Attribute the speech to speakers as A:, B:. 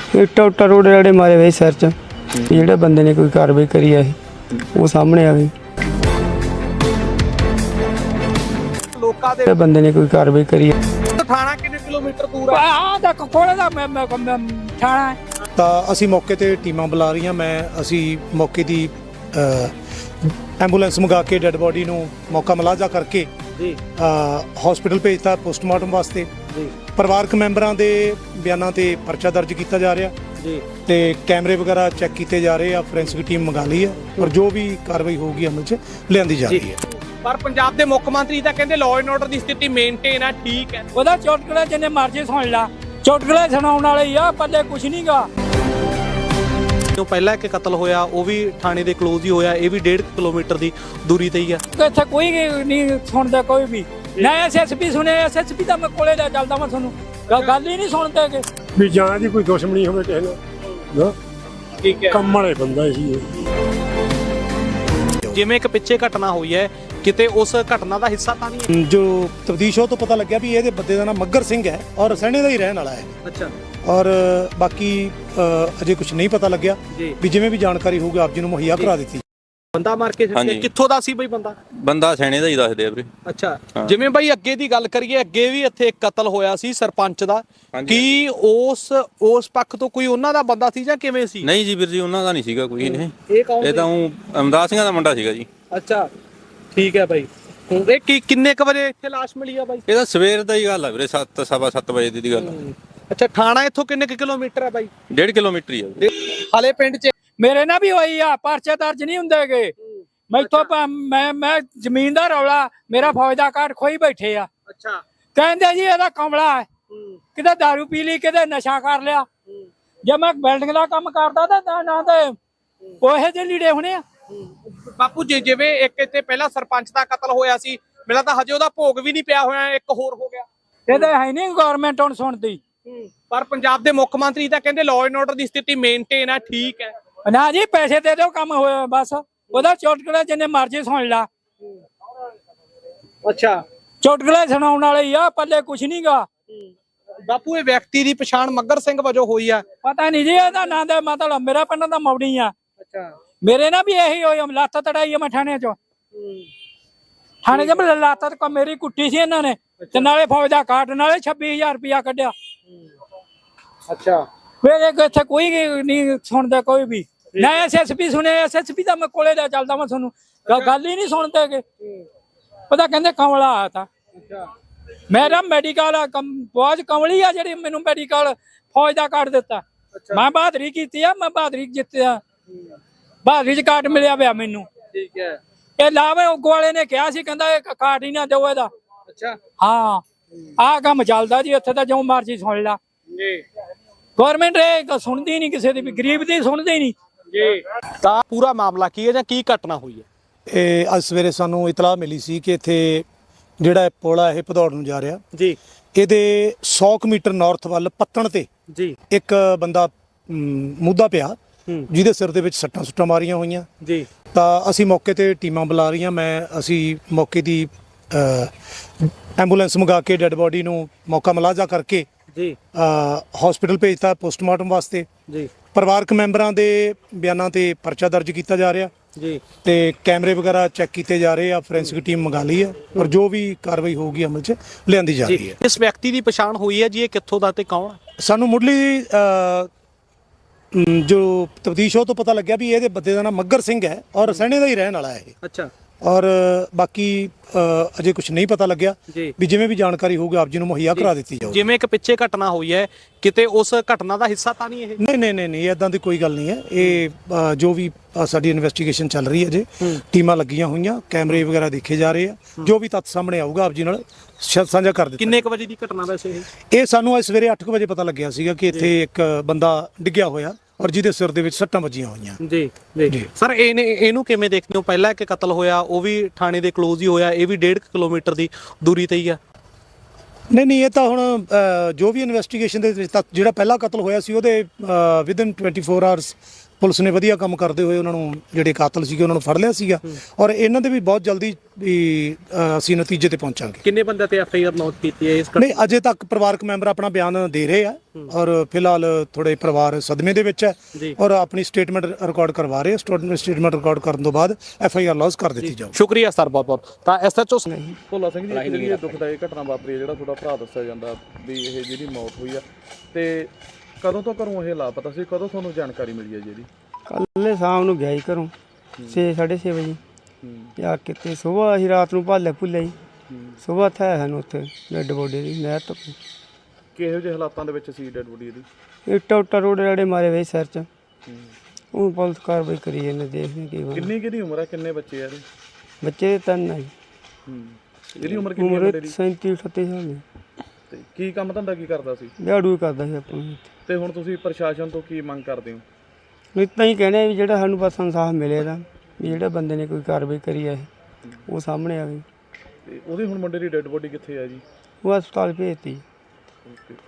A: ਇੱਟਾਂ ਉੱਟਾਂ ਰੋੜੇ ਰਾੜੇ ਮਾਰੇ ਹੋਏ ਸਿਰ 'ਚ। ਜਿਹੜੇ ਬੰਦੇ ਨੇ ਕੋਈ ਕਾਰਵਾਈ ਕਰੀ ਆ ਉਹ ਸਾਹਮਣੇ ਆਵੇ।
B: ਲੋਕਾਂ ਦੇ
A: ਬੰਦੇ ਨੇ ਕੋਈ ਕਾਰਵਾਈ ਕਰੀ
B: ਥਾਣਾ ਕਿੰਨੇ ਕਿਲੋਮੀਟਰ ਦੂਰ ਹੈ?
C: ਆ ਤਾਂ ਕੋਲੇ ਦਾ ਥਾਣਾ
D: ਤਾਂ ਅਸੀਂ ਮੌਕੇ ਤੇ ਟੀਮਾਂ ਬੁਲਾ ਰਹੀਆਂ। ਅਸੀਂ ਮੌਕੇ ਦੀ ਐਂਬੂਲੈਂਸ ਮੰਗਾ ਕੇ ਡੈੱਡ ਬੋਡੀ ਨੂੰ ਮੌਕਾ ਮੁਲਾਜ਼ਾ ਕਰਕੇ
B: ਜੀ
D: ਹਸਪੀਟਲ ਭੇਜਤਾ ਪੋਸਟਮਾਰਟਮ ਵਾਸਤੇ।
B: ਜੀ
D: ਪਰਿਵਾਰਕ ਮੈਂਬਰਾਂ ਦੇ ਬਿਆਨਾਂ ਤੇ ਪਰਚਾ ਦਰਜ ਕੀਤਾ ਜਾ ਰਿਹਾ
B: ਜੀ
D: ਤੇ ਕੈਮਰੇ ਵਗੈਰਾ ਚੈੱਕ ਕੀਤੇ ਜਾ ਰਹੇ ਆ। ਫੋਰੈਂਸਿਕ ਟੀਮ ਮੰਗਾ ਲਈ ਹੈ ਔਰ ਜੋ ਵੀ ਕਾਰਵਾਈ ਹੋਊਗੀ ਅਮਲ 'ਚ ਲਿਆਂਦੀ ਜਾ ਰਹੀ ਹੈ।
B: ਪਰ ਪੰਜਾਬ ਦੇ ਮੁੱਖ ਮੰਤਰੀ ਤਾਂ ਕਹਿੰਦੇ ਲਾਅ ਐਂਡ ਆਰਡਰ ਦੀ ਸਥਿਤੀ ਮੇਨਟੇਨ ਆ, ਠੀਕ ਹੈ।
C: ਉਹਦਾ ਚੁਟਕਲਾ ਜਿੰਨੇ ਮਰਜ਼ੀ ਸੁਣ ਲਾ, ਚੁਟਕਲੇ ਸੁਣਾਉਣ ਵਾਲੇ ਹੀ ਆ, ਪੱਲੇ ਕੁਛ ਨਹੀਂਗਾ।
B: ਜੋ ਪਹਿਲਾਂ ਇੱਕ ਕਤਲ ਹੋਇਆ ਉਹ ਵੀ ਥਾਣੇ ਦੇ ਕਲੋਜ਼ ਹੀ ਹੋਇਆ, ਇਹ ਵੀ 1.5 ਕਿਲੋਮੀਟਰ ਦੀ ਦੂਰੀ ਤੇ ਹੀ ਆ।
C: ਇੱਥੇ ਕੋਈ ਨਹੀਂ ਸੁਣਦਾ, ਕੋਈ ਵੀ ਨਾ। ਐਸਐਸਪੀ ਸੁਣੇ, ਐਸਐਸਪੀ ਦਾ ਮੈਂ ਕੋਲੇ ਦਾ ਚੱਲਦਾ ਮੈਂ ਤੁਹਾਨੂੰ ਗੱਲ ਹੀ ਨਹੀਂ ਸੁਣਦੇ ਕਿ
E: ਵੀ ਜਾਂ ਦੀ ਕੋਈ ਦੁਸ਼ਮਣੀ ਹੋਵੇ ਕਿਸੇ ਨਾਲ ਨਾ।
B: ਠੀਕ ਹੈ।
E: ਕੰਮ ਵਾਲੇ ਬੰਦਾ ਸੀ ਇਹ।
B: ਜਿਵੇਂ ਇੱਕ ਪਿੱਛੇ ਘਟਨਾ ਹੋਈ ਹੈ, ਕਿਤੇ ਉਸ ਘਟਨਾ ਦਾ ਹਿੱਸਾ ਤਾਂ ਨਹੀਂ
D: ਜੋ ਤਬਦੀਸ਼ ਤੋਂ ਪਤਾ ਲੱਗਿਆ ਵੀ ਇਹਦੇ ਬੰਦੇ ਦਾ ਨਾਮ ਮੱਗਰ ਸਿੰਘ ਹੈ ਔਰ ਸੈਣੇ ਦਾ ਹੀ ਰਹਿਣ ਵਾਲਾ ਹੈ।
B: ਅੱਛਾ।
D: ਔਰ ਬਾਕੀ ਅਜੇ ਕੁਝ ਨਹੀਂ ਪਤਾ ਲੱਗਿਆ
B: ਜੀ।
D: ਵੀ ਜਿਵੇਂ ਵੀ ਜਾਣਕਾਰੀ ਹੋਊਗੀ ਆਪ ਜੀ ਨੂੰ ਮੁਹੱਈਆ ਕਰਾ ਦਿੱਤੀ।
B: ਬੰਦਾ ਮਾਰ ਕੇ ਸਿੱਟਿਆ, ਕਿੱਥੋਂ ਦਾ ਸੀ ਬਈ
F: ਬੰਦਾ ਸੈਣੇ ਦਾ ਹੀ ਦੱਸਦੇ ਆ ਵੀਰੇ।
B: ਅੱਛਾ। ਜਿਵੇਂ ਬਾਈ ਅੱਗੇ ਦੀ ਗੱਲ ਕਰੀਏ, ਅੱਗੇ ਵੀ ਇੱਥੇ ਇੱਕ ਕਤਲ ਹੋਇਆ ਸੀ ਸਰਪੰਚ ਦਾ, ਕੀ ਉਸ ਪੱਖ ਤੋਂ ਕੋਈ ਉਹਨਾਂ ਦਾ ਬੰਦਾ ਸੀ ਜਾਂ ਕਿਵੇਂ ਸੀ?
F: ਨਹੀਂ ਜੀ ਵੀਰ ਜੀ, ਉਹਨਾਂ ਦਾ ਨਹੀਂ ਸੀਗਾ ਕੋਈ।
B: ਇਹ ਕੌਣ?
F: ਇਹ ਤਾਂ ਅਮਦਾਦ ਸਿੰਘਾਂ ਦਾ ਮੁੰਡਾ ਸੀਗਾ ਜੀ।
B: ਅੱਛਾ ਠੀਕ ਹੈ ਬਾਈ। ਇਹ ਕਿੰਨੇ ਕ ਵਜੇ ਇੱਥੇ ਲਾਸ਼ ਮਿਲੀ ਆ ਬਾਈ?
F: ਇਹ ਤਾਂ ਸਵੇਰ ਦਾ ਹੀ ਗੱਲ ਆ ਵੀਰੇ, 7:15 ਵਜੇ ਦੀ ਗੱਲ।
B: ਅੱਛਾ। ਥਾਣਾ ਇੱਥੋਂ ਕਿੰਨੇ ਕੁ ਕਿਲੋਮੀਟਰ ਹੈ ਬਾਈ?
F: 1.5 ਕਿਲੋਮੀਟਰ ਹੀ ਆ।
B: ਹਾਲੇ ਪਿੰਡ 'ਚ
C: ਮੇਰੇ ਨਾਲ ਵੀ ਹੋਈ ਆ, ਪਰਚੇ ਦਰਜ ਨਹੀਂ ਹੁੰਦੇਗੇ। ਮੈਥੋਂ ਮੈਂ ਜ਼ਮੀਨ ਦਾ ਰੌਲਾ, ਮੇਰਾ ਫੌਜ ਦਾ ਕਾਰਡ ਖੋਈ ਬੈਠੇ ਆ।
B: ਅੱਛਾ।
C: ਕਹਿੰਦੇ ਜੀ ਇਹਦਾ ਕਮਲਾ ਹੈ, ਕਿਤੇ ਦਾਰੂ ਪੀ ਲਈ, ਕਿਤੇ ਨਸ਼ਾ ਕਰ ਲਿਆ। ਜੇ ਮੈਂ ਬਿਲਡਿੰਗ ਦਾ ਕੰਮ ਕਰਦਾ ਤਾਂ ਨਾ ਤੇ ਉਹੇ ਜਿਹੇ ਲੀੜੇ ਹੋਣੇ ਆ।
B: ਬਾਪੂ ਜੀ, ਜਿਵੇਂ ਇੱਕ ਇੱਥੇ ਪਹਿਲਾਂ ਸਰਪੰਚ ਦਾ ਕਤਲ ਹੋਇਆ ਸੀ, ਮੇਰਾ ਤਾਂ ਹਜੇ ਉਹਦਾ ਭੋਗ ਵੀ ਨਹੀਂ ਪਿਆ ਹੋਇਆ, ਇੱਕ ਹੋਰ ਹੋ ਗਿਆ।
C: ਇਹਦੇ ਹੈ ਨਹੀਂ ਗਵਰਨਮੈਂਟ ਹੁਣ ਸੁਣਦੀ।
B: ਪਰ ਪੰਜਾਬ ਦੇ ਮੁੱਖ ਮੰਤਰੀ ਤਾਂ ਕਹਿੰਦੇ ਲਾਅ ਐਂਡ ਆਰਡਰ ਦੀ ਸਥਿਤੀ ਮੇਨਟੇਨ ਆ, ਠੀਕ ਹੈ।
C: ਨਾ ਜੀ, ਪੈਸੇ ਦੇ ਦਿਓ, ਕੰਮ ਹੋਇਆ ਬਸ। ਉਹਦਾ ਚੁਟਕਲਾ ਜਿੰਨੇ ਮਰਜ਼ੀ ਸੁਣ ਲਾ।
B: ਅੱਛਾ।
C: ਚੁਟਕਲੇ ਸੁਣਾਉਣ ਵਾਲੇ ਹੀ ਆ, ਪੱਲੇ ਕੁਛ ਨਹੀਂਗਾ।
B: ਬਾਪੂ, ਇਹ ਵਿਅਕਤੀ ਦੀ ਪਛਾਣ ਮੱਗਰ ਸਿੰਘ ਵਜੋਂ ਹੋਈ ਆ?
C: ਪਤਾ ਨਹੀਂ ਜੀ ਇਹਦਾ ਨਾਂ ਦਾ, ਮਤਲਬ ਮੇਰਾ ਪਿੰਡ ਦਾ ਮੌੜੀ ਆ।
B: ਅੱਛਾ।
C: ਮੇਰੇ ਨਾਲ ਵੀ ਇਹੀ ਹੋਇਆ, ਲੱਤ ਤੜਾਈ ਆ ਮੈਂ ਥਾਣੇ 'ਚ। ਥਾਣੇ 'ਚ ਮੈਂ ਲੱਤ ਤੱਕ ਮੇਰੀ ਕੁੱਟੀ ਸੀ ਇਹਨਾਂ ਨੇ, ਤੇ ਨਾਲੇ ਫੌਜ ਦਾ ਕਾਰਡ, ਨਾਲੇ 26,000 ਰੁਪਇਆ ਕੱਢਿਆ।
B: ਅੱਛਾ।
C: ਮੇਰੇ ਇੱਥੇ ਕੋਈ ਨਹੀਂ ਸੁਣਦਾ, ਕੋਈ ਵੀ ਨਾ। ਐਸਐਸਪੀ ਸੁਣੇ, ਐਸਐਸਪੀ ਦਾ ਮੈਂ ਕੋਲੇ ਦਾ ਚੱਲਦਾ ਮੈਂ ਤੁਹਾਨੂੰ ਗੱਲ ਹੀ ਨਹੀਂ ਸੁਣਦੇ ਕਿ ਪਤਾ ਕਹਿੰਦੇ ਕਮਲਾ ਆ ਤਾਂ। ਮੇਰਾ ਮੈਡੀਕਲ ਬਹੁਤ ਕਮਲੀ ਆ ਜਿਹੜੀ ਮੈਨੂੰ ਮੈਡੀਕਲ ਫੌਜ ਦਾ ਕਾਰਡ ਦਿੱਤਾ। ਮੈਂ ਬਹਾਦਰੀ ਕੀਤੀ ਆ, ਮੈਂ ਬਹਾਦਰੀ ਜਿੱਤਿਆ, ਬਹਾਦਰੀ 'ਚ ਕਾਰਡ ਮਿਲਿਆ ਪਿਆ ਮੈਨੂੰ।
B: ਠੀਕ ਹੈ।
C: ਇਹ ਲਾਵੇ ਉਗੋ ਵਾਲੇ ਨੇ ਕਿਹਾ ਸੀ, ਕਹਿੰਦਾ ਇਹ ਕਾਰਡ ਹੀ ਨਾ ਦਿਓ ਇਹਦਾ।
B: ਅੱਛਾ।
C: ਹਾਂ, ਆਹ ਕੰਮ ਚੱਲਦਾ ਜੀ ਇੱਥੇ ਤਾਂ, ਜੋ ਮਰਜ਼ੀ ਸੁਣ ਲਾ।
B: ਜੀ।
C: ਗਵਰਨਮੈਂਟ ਇਹ ਸੁਣਦੀ ਨਹੀਂ ਕਿਸੇ ਦੀ ਵੀ, ਗਰੀਬ ਦੀ ਸੁਣਦੀ ਨਹੀਂ।
B: ਜੀ। ਤਾਂ ਪੂਰਾ ਮਾਮਲਾ ਕੀ ਹੈ ਜਾਂ ਕੀ ਘਟਨਾ ਹੋਈ ਹੈ?
D: ਇਹ ਅੱਜ ਸਵੇਰੇ ਸਾਨੂੰ ਇਤਲਾਹ ਮਿਲੀ ਸੀ ਕਿ ਇੱਥੇ ਜਿਹੜਾ ਪੁਲ ਆ ਇਹ ਭਦੌੜ ਨੂੰ ਜਾ ਰਿਹਾ
B: ਜੀ,
D: ਇਹਦੇ 100 ਮੀਟਰ ਨਾਰਥ ਵੱਲ ਪੱਤਣ ਤੇ
B: ਜੀ,
D: ਇੱਕ ਬੰਦਾ ਮੁੱਦਾ ਪਿਆ ਜਿਹਦੇ ਸਿਰ ਦੇ ਵਿੱਚ ਸੱਟਾਂ ਸੁੱਟਾਂ ਮਾਰੀਆਂ ਹੋਈਆਂ।
B: ਜੀ।
D: ਤਾਂ ਅਸੀਂ ਮੌਕੇ ਤੇ ਟੀਮਾਂ ਬੁਲਾ ਰਹੀਆਂ। ਅਸੀਂ ਮੌਕੇ ਦੀ ਐਂਬੂਲੈਂਸ ਮੰਗਾ ਕੇ ਡੈੱਡ ਬੋਡੀ ਨੂੰ ਮੌਕਾ ਮੁਲਾਜ਼ਾ ਕਰਕੇ
B: ਜੀ
D: ਹਸਪੀਟਲ ਭੇਜਤਾ ਪੋਸਟਮਾਰਟਮ ਵਾਸਤੇ।
B: ਜੀ।
D: ਪਰਿਵਾਰਕ ਮੈਂਬਰਾਂ ਦੇ ਬਿਆਨਾਂ ਤੇ ਪਰਚਾ ਦਰਜ ਕੀਤਾ ਜਾ ਰਿਹਾ
B: ਜੀ
D: ਤੇ ਕੈਮਰੇ ਵਗੈਰਾ ਚੈੱਕ ਕੀਤੇ ਜਾ ਰਹੇ ਆ। ਫੋਰੈਂਸਿਕ ਟੀਮ ਮੰਗਾ ਲਈ ਹੈ ਔਰ ਜੋ ਵੀ ਕਾਰਵਾਈ ਹੋਊਗੀ ਅਮਲ 'ਚ ਲਿਆਂਦੀ ਜਾ ਰਹੀ ਹੈ।
B: ਇਸ ਵਿਅਕਤੀ ਦੀ ਪਛਾਣ ਹੋਈ ਹੈ ਜੀ, ਇਹ ਕਿੱਥੋਂ ਦਾ ਤੇ ਕੌਣ ਹੈ?
D: ਸਾਨੂੰ ਮੁੱਢਲੀ ਜੋ ਤਬਦੀਸ਼ ਤੋਂ ਪਤਾ ਲੱਗਿਆ ਵੀ ਇਹਦੇ ਬੰਦੇ ਦਾ ਨਾਮ ਮੱਗਰ ਸਿੰਘ ਹੈ ਔਰ ਸੈਣੇ ਦਾ ਹੀ ਰਹਿਣ ਵਾਲਾ ਹੈ ਇਹ।
B: ਅੱਛਾ।
D: ਔਰ ਬਾਕੀ ਅਜੇ ਕੁਝ ਨਹੀਂ ਪਤਾ ਲੱਗਿਆ ਵੀ ਜਿਵੇਂ ਵੀ ਜਾਣਕਾਰੀ ਹੋਊਗੀ ਆਪ ਜੀ ਨੂੰ ਮੁਹੱਈਆ ਕਰਾ ਦਿੱਤੀ ਜਾਊਗੀ।
B: ਜਿਵੇਂ ਇੱਕ ਪਿੱਛੇ ਘਟਨਾ ਹੋਈ ਹੈ, ਕਿਤੇ ਉਸ ਘਟਨਾ ਦਾ ਹਿੱਸਾ ਤਾਂ ਨਹੀਂ ਇਹ?
D: ਨਹੀਂ ਇਦਾਂ ਦੀ ਕੋਈ ਗੱਲ ਨਹੀਂ ਹੈ। ਇਹ ਜੋ ਵੀ ਸਾਡੀ ਇਨਵੈਸਟੀਗੇਸ਼ਨ ਚੱਲ ਰਹੀ ਹੈ, ਜੇ ਟੀਮਾਂ ਲੱਗੀਆਂ ਹੋਈਆਂ, ਕੈਮਰੇ ਵਗੈਰਾ ਦੇਖੇ ਜਾ ਰਹੇ ਆ, ਜੋ ਵੀ ਤੱਥ ਸਾਹਮਣੇ ਆਊਗਾ ਆਪ ਜੀ ਨਾਲ ਸਾਂਝਾ ਕਰ ਦਿੱਤਾ।
B: ਕਿੰਨੇ ਕੁ ਵਜੇ ਦੀ ਘਟਨਾ ਵੈਸੇ
D: ਇਹ ਸਾਨੂੰ ਅੱਜ ਸਵੇਰੇ 8 ਵਜੇ ਪਤਾ ਲੱਗਿਆ ਸੀਗਾ ਕਿ ਇੱਥੇ ਇੱਕ ਬੰਦਾ ਡਿੱਗਿਆ ਹੋਇਆ ਔਰ ਜਿਹਦੇ ਸਿਰ ਦੇ ਵਿੱਚ ਸੱਟਾਂ ਵੱਜੀਆਂ ਹੋਈਆਂ।
B: ਜੀ ਜੀ ਸਰ, ਇਹਨੂੰ ਕਿਵੇਂ ਦੇਖਦੇ ਹੋ? ਪਹਿਲਾਂ ਇੱਕ ਕਤਲ ਹੋਇਆ ਉਹ ਵੀ ਥਾਣੇ ਦੇ ਕਲੋਜ਼ ਹੀ ਹੋਇਆ, ਇਹ ਵੀ 1.5 ਕਿਲੋਮੀਟਰ ਦੀ ਦੂਰੀ ਤੇ ਹੀ ਆ।
D: ਨਹੀਂ ਇਹ ਤਾਂ ਹੁਣ ਜੋ ਵੀ ਇਨਵੈਸਟੀਗੇਸ਼ਨ ਦੇ ਵਿੱਚ ਜਿਹੜਾ ਪਹਿਲਾ ਕਤਲ ਹੋਇਆ ਸੀ ਉਹਦੇ ਵਿਦਨ 24 ਆਵਰਸ ਪੁਲਿਸ ਨੇ ਵਧੀਆ ਕੰਮ ਕਰਦੇ ਹੋਏ ਉਹਨਾਂ ਨੂੰ ਜਿਹੜੇ ਕਾਤਲ ਸੀਗੇ ਉਹਨਾਂ ਨੂੰ ਫੜ ਲਿਆ ਸੀਗਾ ਔਰ ਇਹਨਾਂ ਦੇ ਵੀ ਬਹੁਤ ਜਲਦੀ ਵੀ ਅਸੀਂ ਨਤੀਜੇ ਤੇ ਪਹੁੰਚਾਂਗੇ।
B: ਕਿੰਨੇ ਬੰਦੇ ਤੇ FIR ਨੋਟ ਕੀਤੀ ਹੈ ਇਸ
D: ਨਹੀਂ ਅਜੇ ਤੱਕ ਪਰਿਵਾਰਕ ਮੈਂਬਰ ਆਪਣਾ ਬਿਆਨ ਦੇ ਰਹੇ ਆ ਔਰ ਫਿਲਹਾਲ ਥੋੜੇ ਪਰਿਵਾਰ ਸਦਮੇ ਦੇ ਵਿੱਚ ਹੈ ਔਰ ਆਪਣੀ ਸਟੇਟਮੈਂਟ ਰਿਕਾਰਡ ਕਰਵਾ ਰਹੇ ਆ। ਸਟੇਟਮੈਂਟ ਰਿਕਾਰਡ ਕਰਨ ਤੋਂ ਬਾਅਦ FIR ਲੌਜ ਕਰ ਦਿੱਤੀ ਜਾਊ।
B: ਸ਼ੁਕਰੀਆ ਸਰ, ਬਹੁਤ ਬਹੁਤ। ਤਾਂ SHO
G: ਭੋਲਾ ਸਿੰਘ ਜੀ, ਜਿਹੜੀ ਇਹ ਦੁਖਦਾਈ ਘਟਨਾ ਵਾਪਰੀ ਹੈ, ਜਿਹੜਾ ਤੁਹਾਡਾ ਭਰਾ ਦੱਸਿਆ ਜਾਂਦਾ ਵੀ ਇਹ ਜਿਹਦੀ ਮੌਤ ਹੋਈ ਆ, ਤੇ ਕਦੋਂ ਤੋਂ ਘਰੋਂ ਇਹ ਲਾਪਤਾ ਸੀ, ਕਦੋਂ ਤੁਹਾਨੂੰ ਜਾਣਕਾਰੀ ਮਿਲੀ ਹੈ ਜੀ ਇਹਦੀ?
A: ਕੱਲ੍ਹ ਸ਼ਾਮ ਨੂੰ ਗਿਆ ਜੀ ਘਰੋਂ 6:30 ਵਜੇ ਜਾ ਕੇ ਤੇ ਸਵੇਰ ਅਸੀਂ ਰਾਤ ਨੂੰ ਭਾਲੇ ਭੁੱਲੇ ਜੀ। ਸਵੇਰ ਥਾ ਸਾਨੂੰ ਉੱਥੇ ਡੈਡ ਬੋਡੀ ਦੀ ਨਹਿਰ ਤੋਂ
G: ਕਿਹੋ ਜਿਹੇ ਹਾਲਾਤਾਂ ਦੇ ਵਿੱਚ ਸੀ ਡੈਡ ਬੋਡੀ ਇਹਦੀ?
A: ਇੱਟਾਂ ਉੱਟਾਂ ਰੋੜੇ ਰਾੜੇ ਮਾਰੇ ਵੇ ਸਿਰ 'ਚ। ਉਹ ਪੁਲਿਸ ਕਾਰਵਾਈ ਕਰੀ ਜਾਂਦੇ, ਦੇਖਦੇ ਕੀ ਬਣਦਾ।
G: ਕਿੰਨੀ ਕਿਹਦੀ ਉਮਰ ਹੈ, ਕਿੰਨੇ ਬੱਚੇ ਆ ਇਹਦੇ?
A: ਬੱਚੇ ਤਿੰਨ ਆ ਜੀ।
G: ਇਹਦੀ ਉਮਰ ਕਿੰਨੀ ਹੈ
A: ਉਮਰ
G: ਮੁੰਡੇ ਦੀ?
A: 37-38 ਸਾਲ ਦੀ।
G: ਤੇ ਕੀ ਕੰਮ ਧੰਦਾ ਕੀ ਕਰਦਾ ਸੀ?
A: ਦਿਹਾੜੂ ਹੀ ਕਰਦਾ ਸੀ ਆਪਾਂ ਨੂੰ।
G: ਤੇ ਹੁਣ ਤੁਸੀਂ ਪ੍ਰਸ਼ਾਸਨ ਤੋਂ ਕੀ ਮੰਗ ਕਰਦੇ ਹੋ?
A: ਇਤਾਂ ਹੀ ਕਹਿੰਦੇ ਆ ਵੀ ਜਿਹੜਾ ਸਾਨੂੰ ਬਸ ਇਨਸਾਫ ਮਿਲੇ ਦਾ, ਵੀ ਜਿਹੜੇ ਬੰਦੇ ਨੇ ਕੋਈ ਕਾਰਵਾਈ ਕਰੀ ਆ ਉਹ ਸਾਹਮਣੇ ਆਵੇ।
G: ਤੇ ਉਹਦੀ ਹੁਣ ਮੁੰਡੇ ਦੀ ਡੈਡ ਬੋਡੀ ਕਿੱਥੇ ਹੈ ਜੀ?
A: ਉਹ ਹਸਪਤਾਲ ਭੇਜਤੀ।
G: ਓਕੇ।